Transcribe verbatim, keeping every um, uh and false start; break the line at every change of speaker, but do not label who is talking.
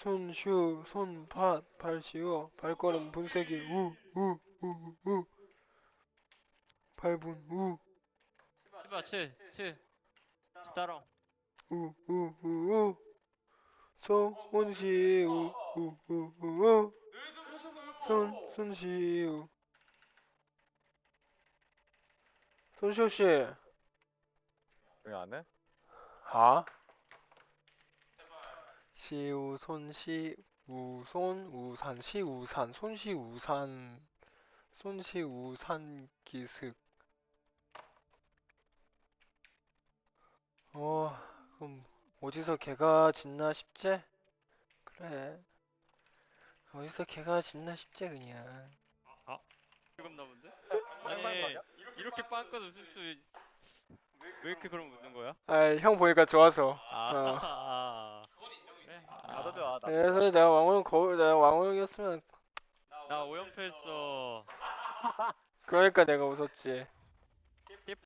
손슈 손밭 발시어 발걸음 분쇄기 우우우우 발분 우
해봐, 칠, 칠. 치타롱.
우우우우 손시 우우우우 손 손시우 손시우씨
왜 안 해?
하 시우 손시 우손 우산 시우산 손시우산 손시우산 기슭 어 그럼 어디서 개가 짖나 싶지? 그래 어디서 개가 짖나 싶지 그냥
아, 뜨겁나 본데?
빵빵
아니,
거냐?
이렇게 빵껏 웃을 수, 있... 왜 이렇게 그럼 웃는 거야?
아 형 보니까 좋아서
아,
어
아, 그래?
나도
아,
좋아, 나도
그래서
좋아.
내가 왕호형 거울 내가 왕호형이었으면
나 오연패 했어.
그러니까 내가 웃었지